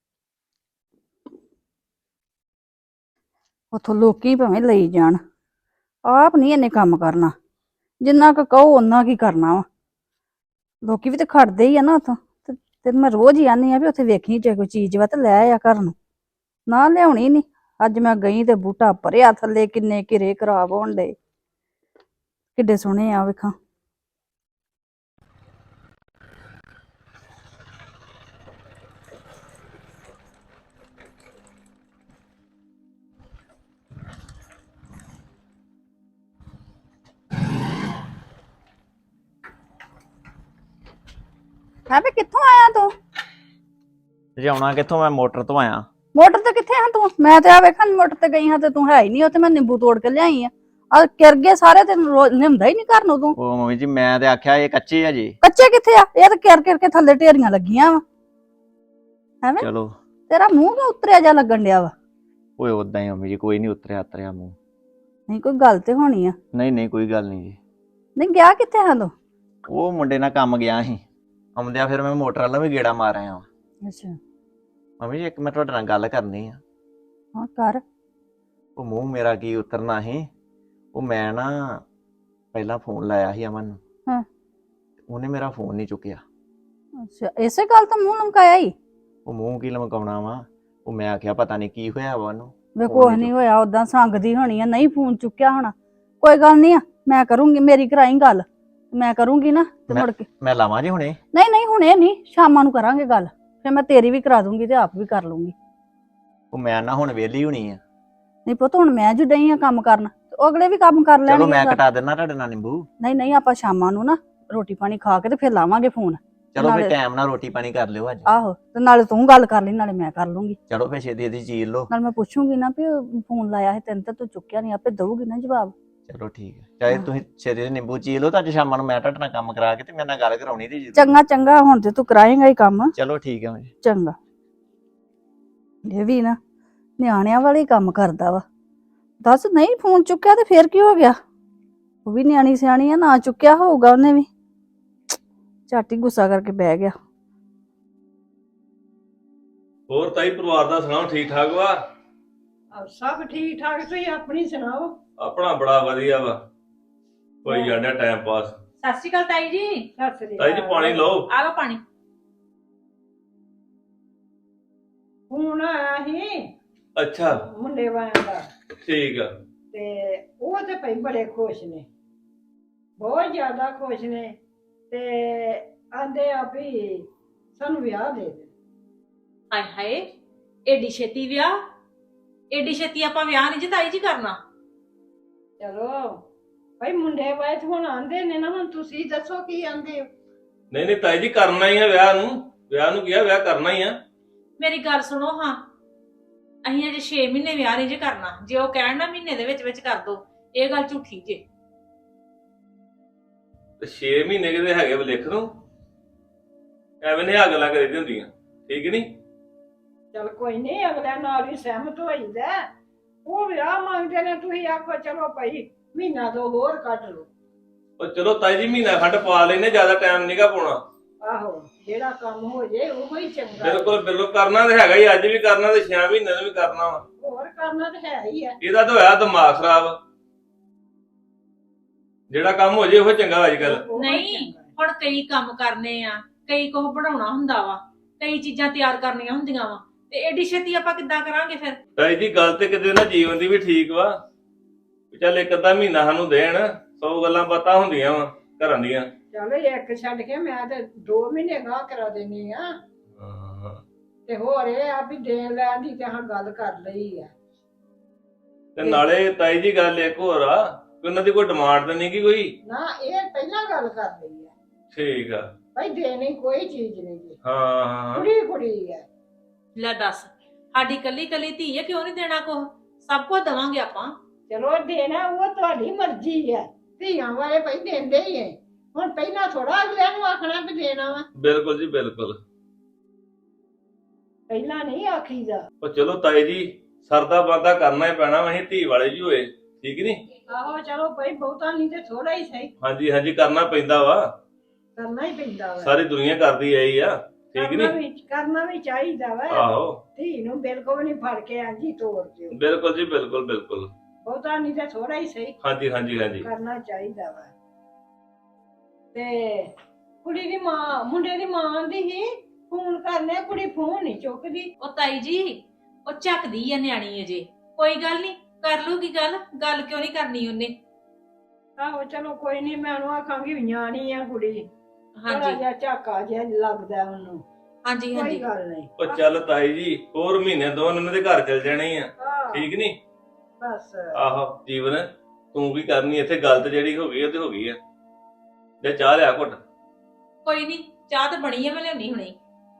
ਉਥੋਂ ਲੋਕੀ ਭਾਵੇਂ ਲਈ ਜਾਣ, ਆਪ ਨਹੀਂ ਇਹਨੇ ਕੰਮ ਕਰਨਾ। ਜਿੰਨਾ ਕੁ ਕਹੋ ਓਨਾ ਕੀ ਕਰਨਾ ਵਾ। ਲੋਕੀ ਵੀ ਤੇ ਖੜਦੇ ਹੀ ਆ ਨਾ ਉਥੋਂ। ਤੇ ਮੈਂ ਰੋਜ਼ ਹੀ ਆਨੀ ਆ ਵੀ ਉੱਥੇ ਵੇਖੀ ਜੇ ਕੋਈ ਚੀਜ਼ ਵਾ ਤੇ ਲੈ ਆ ਘਰ ਨੂੰ। ਨਾ ਲਿਆਉਣੀ ਨਹੀਂ। ਅੱਜ ਮੈਂ ਗਈ ਤੇ ਬੂਟਾ ਭਰਿਆ ਥੱਲੇ, ਕਿੰਨੇ ਘਿਰੇ ਖਰਾਬ ਹੋਣ ਡੇ। ਕਿੱਡੇ ਸੋਹਣੇ ਆ ਵੇਖਾਂ। ਹੈ ਵੇ ਕਿੱਥੋਂ ਆਇਆ ਤੂੰ?
ਜਾਉਣਾ ਕਿੱਥੋਂ, ਮੈਂ ਮੋਟਰ ਤੋਂ ਆਇਆ।
ਮੋਟਰ ਤੇ ਕਿੱਥੇ ਆ ਤੂੰ? ਮੈਂ ਤੇ ਆ ਵੇਖਾਂ ਮੋਟਰ ਤੇ ਗਈ ਹਾਂ ਤੇ ਤੂੰ ਹੈ ਹੀ ਨਹੀਂ ਉੱਥੇ। ਮੈਂ ਨਿੰਬੂ ਤੋੜ ਕੇ ਲਿਆਈ ਆ। ਆ ਕਿਰ ਗਏ ਸਾਰੇ, ਤੇ ਲਿਆਉਂਦਾ ਹੀ ਨਹੀਂ ਘਰ ਨੂੰ ਤੂੰ।
ਉਹ ਮੰਮੀ ਜੀ ਮੈਂ ਤੇ ਆਖਿਆ ਇਹ ਕੱਚੇ ਆ ਜੀ।
ਕੱਚੇ ਕਿੱਥੇ ਆ? ਇਹ ਤਾਂ ਕਿਰ ਕਿਰ ਕੇ ਥੱਲੇ ਢੇਰੀਆਂ ਲੱਗੀਆਂ ਵਾ। ਐਵੇਂ
ਚਲੋ
ਤੇਰਾ ਮੂੰਹ ਕਿਉਂ ਉਤਰਿਆ ਜਾ ਲੱਗਣ ਡਿਆ ਵਾ?
ਓਏ ਉਦਾਂ ਹੀ ਮੰਮੀ ਜੀ, ਕੋਈ ਨਹੀਂ ਉਤਰਿਆ ਉਤਰਿਆ ਮੂੰਹ।
ਨਹੀਂ ਕੋਈ ਗੱਲ ਤੇ ਹੋਣੀ ਆ।
ਨਹੀਂ ਨਹੀਂ ਕੋਈ ਗੱਲ ਨਹੀਂ ਜੀ।
ਨਹੀਂ ਗਿਆ ਕਿੱਥੇ ਹਾਂ ਤੂੰ?
ਉਹ ਮੁੰਡੇ ਨਾਲ ਕੰਮ ਗਿਆ ਸੀ, ਆਉਂਦਿਆਂ ਫਿਰ ਮੈਂ ਮੋਟਰ ਵਾਲਾ ਵੀ ਗੇੜਾ ਮਾਰ ਆਇਆ ਵਾਂ।
ਅੱਛਾ
ਮੰਮੀ ਜੀ ਇੱਕ ਮੈਂ ਤੁਹਾਡੇ ਨਾਲ ਗੱਲ ਕਰਨੀ ਆ।
ਹਾਂ ਕਰ।
ਉਹ ਮੂੰਹ ਮੇਰਾ ਕੀ ਉਤਰਨਾ ਸੀ। ਉਹ ਮੈਂ ਨਾ ਪਹਿਲਾਂ ਫੋਨ ਲਾਇਆ ਸੀ ਅਮਨ ਨੂੰ।
ਹਾਂ।
ਉਹਨੇ ਮੇਰਾ ਫੋਨ ਨਹੀਂ ਚੁੱਕਿਆ।
ਅੱਛਾ ਇਸੇ ਗੱਲ ਤੋਂ ਮੂੰਹ ਲਮਕਾਇਆ ਹੀ?
ਉਹ ਮੂੰਹ ਕੀ ਲਮਕਾਉਣਾ ਵਾ। ਉਹ ਮੈਂ ਆਖਿਆ ਪਤਾ ਨਹੀਂ ਕੀ ਹੋਇਆ ਵਾ ਉਹਨੂੰ।
ਵੇ ਕੁਛ ਨਹੀਂ ਹੋਇਆ, ਉਦਾਂ ਸੰਗਦੀ ਹੋਣੀ ਆ, ਨਹੀਂ ਫੋਨ ਚੁੱਕਿਆ ਹੋਣਾ। ਕੋਈ ਗੱਲ ਨਹੀਂ ਆ, ਮੈਂ ਕਰੂੰਗੀ, ਮੇਰੀ ਕਰਾਈ ਗੱਲ। ਮੈਂ ਕਰੂੰਗੀ ਨਾ ਤੇ ਮੁੜ ਕੇ।
ਮੈਂ ਲਾਵਾਂ ਜੀ ਹੁਣੇ?
ਨਹੀਂ ਨਹੀਂ ਹੁਣੇ ਨਹੀਂ, ਸ਼ਾਮਾਂ ਨੂੰ ਕਰਾਂਗੇ ਗੱਲ। ਫਿਰ ਮੈਂ ਤੇਰੀ ਵੀ ਕਰਾ ਦੂੰਗੀ ਤੇ ਆਪ ਵੀ ਕਰ ਲੂੰਗੀ।
ਉਹ ਮੈਂ ਨਾ ਹੁਣ ਵਿਹਲੀ ਹੋਣੀ ਆ।
ਨਹੀਂ ਪੁੱਤ ਹੁਣ ਮੈਂ ਜੁ ਡਈ ਆ ਕੰਮ ਕਰਨ, ਤੇ ਉਹ ਅਗਲੇ ਵੀ ਕੰਮ ਕਰ ਲੈਣਗੇ।
ਚਲੋ ਮੈਂ ਕਟਾ ਦਿੰਦਾ ਤੁਹਾਡੇ ਨਾਲ ਨਿੰਬੂ।
ਨਹੀਂ ਨਹੀਂ ਆਪਾਂ ਸ਼ਾਮਾਂ ਨੂੰ ਨਾ ਰੋਟੀ ਪਾਣੀ ਖਾ ਕੇ ਤੇ ਫਿਰ ਲਾਵਾਂਗੇ ਫੋਨ।
ਚਲੋ ਫਿਰ
ਨਾਲੇ-
ਟਾਈਮ ਨਾਲ ਰੋਟੀ ਪਾਣੀ ਕਰ ਲਿਓ ਅੱਜ।
ਆਹੋ ਤੇ ਨਾਲੇ ਤੂੰ ਗੱਲ ਕਰ ਲਈ ਨਾਲੇ ਮੈਂ ਕਰ ਲੂੰਗੀ।
ਚਲੋ ਫਿਰ ਛੇਤੀ ਛੇਤੀ ਚੀਰ ਲਓ।
ਨਾਲ ਮੈਂ ਪੁੱਛੂੰਗੀ ਨਾ ਵੀ ਫੋਨ ਲਾਇਆ ਸੀ ਤੈਨੂੰ ਤਾਂ ਤੂੰ ਚੁੱਕਿਆ ਨਹੀਂ, ਆਪੇ ਦਊਗੀ ਨਾ ਜਵਾਬ।
ਚਲੋ ਠੀਕ ਹੈ, ਚਾਹੇ
ਹਾਂ।
ਤੁਸੀਂ ਛੇਤੀ ਦੇ ਨਿੰਬੂ ਚੀਰ ਲਓ ਤਾਂ ਅੱਜ ਸ਼ਾਮਾਂ ਨੂੰ ਮੈਂ ਤੁਹਾਡੇ ਨਾਲ ਕੰਮ ਕਰਾ ਕੇ ਤੇ ਮੇਰੇ ਨਾਲ ਗੱਲ ਕਰਾਉਣੀ ਤੇ ਜ਼ਰੂਰ।
ਚੰਗਾ ਚੰਗਾ, ਹੁਣ ਤੇ ਤੂੰ ਕਰਾਏਂਗਾ ਹੀ ਕੰਮ।
ਚਲੋ ਠੀਕ ਹੈ ਜੀ।
ਚੰਗਾ। ਇਹ ਵੀ ਨਾ ਨਿਆਣਿਆਂ ਵਾਲੇ ਹੀ ਕੰਮ ਕਰਦਾ ਵਾ। ਦੱਸ ਨਹੀਂ ਫੋਨ ਚੁੱਕਿਆ ਤੇ ਫੇਰ ਕੀ ਹੋ ਗਿਆ? ਉਹ ਵੀ ਨਿਆਣੀ ਸਿਆਣੀ ਆ, ਨਾ ਚੁੱਕਿਆ ਹੋਊਗਾ ਉਹਨੇ ਵੀ, ਝੱਟ ਹੀ ਗੁੱਸਾ ਕਰਕੇ ਬਹਿ ਗਿਆ।
ਹੋਰ ਤਾਈ ਪਰਿਵਾਰ ਦਾ ਸੁਣਾਓ, ਠੀਕ ਠਾਕ ਵਾ?
ਸਭ ਠੀਕ ਠਾਕ, ਤੁਸੀਂ ਆਪਣੀ ਸੁਣਾਓ।
ਆਪਣਾ ਬੜਾ ਵਧੀਆ ਵਾ, ਕੋਈ ਜਾਂਦਾ ਟਾਈਮ ਪਾਸ।
ਸਤਿ ਸ਼੍ਰੀ ਅਕਾਲ ਤਾਈ ਜੀ।
ਸਤਿ ਸ੍ਰੀ
ਤਾਈ ਜੀ ਪਾਣੀ ਲਓ।
ਆ ਲਓ ਪਾਣੀ।
ਫੋਨ ਆਇਆ ਸੀ
ਅੱਛਾ
ਮੁੰਡੇ ਵਾਲਿਆਂ ਦਾ,
ਠੀਕ ਆ।
ਤੇ ਉਹ ਤੇ ਭਈ ਬੜੇ ਖੁਸ਼ ਨੇ, ਬਹੁਤ ਜ਼ਿਆਦਾ ਖੁਸ਼ ਨੇ, ਤੇ ਆਂਦੇ ਆ ਵੀ ਸਾਨੂੰ ਵਿਆਹ ਦੇ ਦੇ।
ਹਾਏ ਹਾਏ, ਏਡੀ ਛੇਤੀ ਵਿਆਹ? ਏਡੀ ਛੇਤੀ ਆਪਾਂ ਵਿਆਹ ਨਹੀਂ ਜੀ ਤਾਈ ਜੀ ਕਰਨਾ।
ਚਲੋ ਭਾਈ ਮੁੰਡੇ ਵਾਲੇ ਤੇ ਹੁਣ ਆਂਦੇ ਨੇ ਨਾ, ਹੁਣ ਤੁਸੀਂ ਦੱਸੋ ਕੀ ਆਂਦੇ ਹੋ?
ਨਹੀਂ ਨਹੀਂ ਤਾਈ ਜੀ ਕਰਨਾ ਹੀ ਆ ਵਿਆਹ ਨੂੰ, ਵਿਆਹ ਨੂੰ ਕਿਹਾ ਵਿਆਹ ਕਰਨਾ ਹੀ ਆ।
ਮੇਰੀ ਗੱਲ ਸੁਣੋ ਹਾਂ, ਅਸੀਂ ਅਜੇ ਛੇ ਮਹੀਨੇ ਵਿਆਹ ਨਹੀਂ ਜੇ ਕਰਨਾ। ਜੇ ਉਹ ਕਹਿਣ ਨਾ ਮਹੀਨੇ ਦੇ ਵਿੱਚ ਵਿੱਚ ਕਰ ਦੋ, ਇਹ ਗੱਲ ਝੂਠੀ ਜੇ।
ਤੇ ਛੇ ਮਹੀਨੇ ਕਿਤੇ ਹੈਗੇ ਵਾ ਲਿਖ ਨੂੰ, ਐਵੇਂ ਨੇ ਗੱਲਾਂ ਕਰੀ ਦੀਆਂ ਹੁੰਦੀਆਂ, ਠੀਕ ਨਹੀਂ?
ਚਲ ਕੋਈ ਨਹੀਂ, ਅਗਲਿਆਂ ਨਾਲ ਵੀ ਸਹਿਮਤ ਹੋਈਦਾ। ਉਹ ਵਿਆਹ ਮੰਗਦੇ ਨੇ, ਤੁਸੀਂ ਆਖੋ ਚਲੋ ਭਾਈ ਮਹੀਨਾ ਦੋ ਹੋਰ ਕੱਢ ਲਓ।
ਉਹ ਚਲੋ ਤਾਈ ਜੀ ਮਹੀਨਾ ਖੰਡ ਪਾ ਲੈਨੇ, ਜ਼ਿਆਦਾ ਟਾਈਮ ਨਹੀਂਗਾ ਪਾਉਣਾ।
ਆਹੋ ਜਿਹੜਾ ਕੰਮ ਹੋ ਜੇ ਉਹ ਹੀ ਚੰਗਾ।
ਬਿਲਕੁਲ ਬਿਲਕੁਲ, ਕਰਨਾ ਤੇ ਹੈਗਾ ਹੀ, ਅੱਜ ਵੀ ਕਰਨਾ ਤੇ ਛੇ ਮਹੀਨੇ ਨੂੰ ਵੀ ਕਰਨਾ ਵਾ।
ਹੋਰ ਕਰਨਾ ਤਾਂ ਹੈ ਹੀ ਆ।
ਇਹਦਾ ਤਾਂ ਹੋਇਆ ਦਿਮਾਗ ਖਰਾਬ, ਜਿਹੜਾ ਕੰਮ ਹੋ ਜੇ ਉਹ ਚੰਗਾ ਅੱਜ ਕੱਲ।
ਉਹ ਹੀ
ਨਹੀਂ,
ਚੰਗਾ।
ਹੁਣ ਕਈ ਕੰਮ ਕਰਨੇ ਆ, ਕਈ ਕੁਝ ਬਣਾਉਣਾ ਹੁੰਦਾ ਵਾ, ਕਈ ਚੀਜ਼ਾਂ ਤਿਆਰ ਕਰਨੀਆਂ ਹੁੰਦੀਆਂ ਵਾ, ਤੇ ਏਡੀ ਛੇਤੀ ਆਪਾਂ ਕਿੱਦਾਂ ਕਰਾਂਗੇ ਫਿਰ?
ਤਾਈ ਜੀ ਗੱਲ ਤੇ ਕਿਤੇ ਨਾ ਜੀਵਨ ਦੀ ਵੀ ਠੀਕ ਵਾ, ਚੱਲ ਇੱਕ ਅੱਧਾ ਮਹੀਨਾ ਸਾਨੂੰ ਦੇਣ, ਸੌ ਗੱਲਾਂ ਬਾਤਾਂ ਹੁੰਦੀਆਂ ਵਾ ਘਰਾਂ ਦੀਆਂ।
ਚਲੋ ਇੱਕ ਛੱਡ ਕੇ ਮੈਂ ਤੇ ਦੋ ਮਹੀਨੇ ਗਾਹ ਕਰਾ ਦੇਣੀ ਆ, ਤੇ ਹੋਰ ਇਹ ਆ ਵੀ ਦੇਣ ਲੈਣ ਦੀ ਤੇ ਹਾਂ ਗੱਲ ਕਰ ਲਈ ਆ।
ਤੇ ਨਾਲੇ ਤਾਈ ਜੀ ਗੱਲ ਇੱਕ ਹੋਰ ਆ ਕਿ ਉਹਨਾਂ ਦੀ ਕੋਈ ਡਿਮਾਂਡ ਤਾਂ ਨਹੀਂ ਗੀ ਕੋਈ।
ਨਾ ਇਹ ਪਹਿਲਾਂ ਗੱਲ ਕਰ ਲਈ ਆ,
ਠੀਕ ਆ।
ਭਾਈ ਦੇਣੀ ਕੋਈ ਚੀਜ਼ ਨਹੀਂ ਜੀ,
ਹਾਂ ਹਾਂ
ਕੁੜੀ ਕੁੜੀ ਆ।
ਲੈ ਦੱਸ, ਸਾਡੀ ਕੱਲੀ ਕੱਲੀ ਧੀ ਹੈ, ਕਿਉਂ ਨਹੀਂ ਦੇਣਾ ਕੁਛ? ਸਭ ਕੁਝ ਦਵਾਂਗੇ ਆਪਾਂ।
ਚਲੋ ਦੇਣਾ ਉਹ ਤੁਹਾਡੀ ਮਰਜ਼ੀ ਆ, ਧੀਆਂ ਵਾਲੇ ਭਾਈ ਦਿੰਦੇ ਹੀ ਐ। ਹੁਣ ਪਹਿਲਾਂ ਥੋੜਾ ਅਗਲਿਆਂ ਨੂੰ ਆਖਣਾ ਵੀ ਦੇਣਾ ਵਾ,
ਬਿਲਕੁਲ ਜੀ ਬਿਲਕੁਲ।
ਪਹਿਲਾਂ ਨਹੀਂ ਆਖੀਦਾ।
ਉਹ ਚਲੋ ਤਾਈ ਜੀ ਸਰਦਾ ਬਾਦਾ ਕਰਨਾ ਹੀ ਪੈਣਾ ਵਾ, ਅਸੀਂ ਧੀ ਵਾਲੇ ਜੀ ਹੋਏ, ਠੀਕ ਨਹੀਂ?
ਆਹੋ ਚਲੋ ਭਾਈ ਬਹੁਤਾ ਨਹੀਂ ਤੇ ਥੋੜਾ ਹੀ ਸਹੀ,
ਹਾਂਜੀ ਹਾਂਜੀ ਕਰਨਾ ਪੈਂਦਾ ਵਾ,
ਕਰਨਾ ਹੀ ਪੈਂਦਾ ਵਾ।
ਸਾਰੀ ਦੁਨੀਆ ਕਰਦੀ ਆਈ ਆ, ਠੀਕ
ਕਰਨਾ
ਨਹੀਂ?
ਵੀ ਕਰਨਾ ਵੀ ਚਾਹੀਦਾ ਵਾ।
ਆਹੋ
ਧੀ ਨੂੰ ਬਿਲਕੁਲ ਨਹੀਂ ਫੜ ਕੇ ਆਂਜੀ ਤੋੜ ਦਿਓ,
ਬਿਲਕੁਲ ਜੀ ਬਿਲਕੁਲ ਬਿਲਕੁਲ।
ਬਹੁਤਾ ਨਹੀਂ ਤੇ ਥੋੜਾ ਹੀ ਸਹੀ
ਹਾਂਜੀ ਹਾਂਜੀ ਹਾਂਜੀ।
ਕਰਨਾ ਚਾਹੀਦਾ ਵਾ। ਤੇ ਕੁੜੀ ਦੀ ਮਾਂ, ਮੁੰਡੇ ਦੀ ਮਾਂ ਆਂਦੀ ਸੀ ਫੋਨ ਕਰਨੇ, ਕੁੜੀ ਫੋਨ ਨਹੀਂ ਚੁੱਕਦੀ।
ਉਹ ਤਾਈ ਜੀ, ਉਹ ਝੱਕਦੀ ਆ ਨਿਆਣੀ ਅਜੇ, ਕੋਈ ਗੱਲ ਨਹੀਂ, ਕਰ ਲੂਗੀ ਗੱਲ। ਗੱਲ ਕਿਉਂ ਨਹੀਂ ਕਰਨੀ ਉਹਨੇ?
ਆਹੋ ਚਲੋ ਕੋਈ ਨਹੀਂ, ਮੈਂ ਉਹਨੂੰ ਆਖਾਂਗੀ ਨਿਆਣੀ ਆ ਕੁੜੀ, ਥੋੜਾ
ਹਾਂਜੀ
ਜਿਹਾ ਝਾਕਾ ਜਿਹਾ ਲੱਗਦਾ ਉਹਨੂੰ,
ਹਾਂਜੀ
ਕੋਈ
ਹਾਂਜੀ।
ਗੱਲ ਨਹੀਂ।
ਉਹ ਚੱਲ ਤਾਈ ਜੀ ਹੋਰ ਮਹੀਨੇ ਦੋ ਉਹਨਾਂ ਦੇ ਘਰ ਚਲ ਜਾਣੇ ਆ,
ਆਹ,
ਠੀਕ ਨਹੀਂ?
ਬਸ
ਆਹੋ ਜੀਵਨ ਤੂੰ ਕੀ ਕਰਨੀ ਇੱਥੇ, ਗੱਲ ਤੇ ਜਿਹੜੀ ਹੋ ਗਈ ਉਹ ਤੇ ਹੋ ਗਈ ਆ। ਜੇ ਚਾਹ ਲਿਆ ਘੁੱਟ।
ਕੋਈ ਨਹੀਂ, ਚਾਹ ਤਾਂ ਬਣੀ ਆ, ਮੈਂ ਲਿਆਉਣੀ ਹੁਣੇ।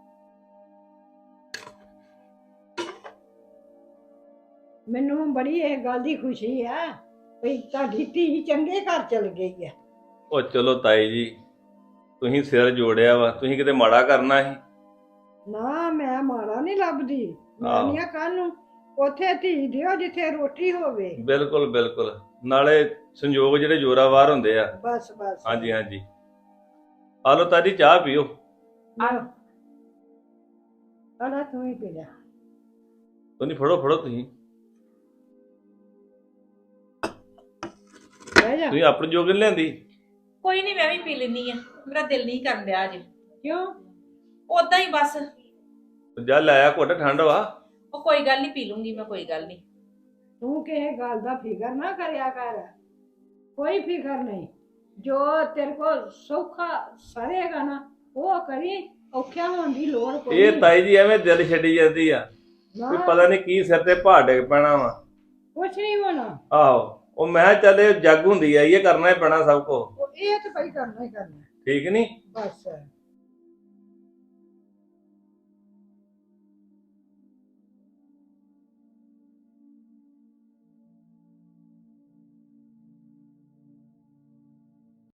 ਮੈਨੂੰ ਬੜੀ ਇਹ ਗੱਲ ਦੀ ਖੁਸ਼ੀ ਆ ਵੀ ਤੁਹਾਡੀ ਧੀ ਚੰਗੇ ਘਰ ਚਲ ਗਈ ਆ।
ਉਹ ਚਲੋ ਤਾਈ ਜੀ ਤੁਸੀਂ ਸਿਰ ਜੋੜਿਆ ਵਾ, ਤੁਸੀਂ ਕਿਤੇ ਮਾੜਾ ਕਰਨਾ ਸੀ?
ਨਾ ਮੈਂ ਮਾੜਾ ਨਹੀਂ ਲੱਭਦੀ, ਮੈਂ
ਆਹੋ।
ਨਹੀਂ ਕੱਲ ਨੂੰ ਉੱਥੇ ਧੀ ਦਿਓ ਜਿੱਥੇ ਰੋਟੀ ਹੋਵੇ।
ਬਿਲਕੁਲ ਬਿਲਕੁਲ, ਨਾਲੇ ਸੰਯੋਗ ਜਿਹੜੇ ਜ਼ੋਰਾਵਾਰ ਹੁੰਦੇ ਆ।
ਬਸ ਬਸ
ਹਾਂਜੀ ਹਾਂਜੀ। ਆ ਲਓ ਤਾਜੀ ਚਾਹ ਪੀਓ।
ਆਲਾ ਤੂੰ ਹੀ ਪੀ ਲੈ।
ਤੁਸੀਂ ਫੜੋ ਫੜੋ, ਤੁਸੀਂ
ਬਹਿ ਜਾ।
ਤੁਸੀਂ ਆਪਣੀ ਜੋਗ ਨੀ ਲਿਆਂਦੀ?
ਕੋਈ ਨਹੀਂ, ਮੈਂ ਵੀ ਪੀ ਲੈਂਦੀ ਆ, ਮੇਰਾ ਦਿਲ ਨਹੀਂ ਕਰਨ ਡਿਆ ਅੱਜ।
ਕਿਉਂ?
ਉਦਾਂ ਹੀ ਬਸ।
ਜਾ ਲਾਇਆ ਘੁੱਟ, ਠੰਡ ਵਾ।
ਉਹ ਕੋਈ ਗੱਲ ਨਹੀਂ, ਪੀ ਲੂੰਗੀ ਮੈਂ, ਕੋਈ ਗੱਲ ਨਹੀਂ।
ਤੂੰ ਕਿਸੇ ਗੱਲ ਦਾ ਫਿਕਰ ਨਾ ਕਰਿਆ ਕਰ, ਕੋਈ ਫਿਕਰ ਨਹੀਂ। ਜੋ ਤੇਰੇ ਕੋਲ ਸੌਖਾ ਸਰੇਗਾ ਨਾ ਉਹ ਕਰੀ, ਔਖਿਆ ਹੋਣ ਦੀ ਲੋੜ ਕੋਈ
ਇਹ
ਨਹੀਂ।
ਤਾਈ ਜੀ ਐਵੇਂ ਦਿਲ ਛੱਡੀ ਜਾਂਦੀ ਆ,
ਨਾ,
ਕੋਈ ਪਤਾ ਨਹੀਂ ਕੀ ਸਿਰ ਤੇ ਭਾਰ ਡਿੱਗ ਪੈਣਾ ਵਾ।
ਕੁਛ ਨਹੀਂ ਹੋਣਾ।
ਆਹੋ ਉਹ ਮੈਂ ਕਿਹਾ ਚੱਲ ਇਹ ਜੱਗ ਹੁੰਦੀ ਆ, ਇਹ ਕਰਨਾ ਹੀ ਪੈਣਾ ਸਭ ਕੋ,
ਉਹ ਇਹ ਤਾਂ ਭਾਈ ਕਰਨਾ ਹੀ ਕਰਨਾ,
ਠੀਕ ਨਹੀਂ?
ਬਸ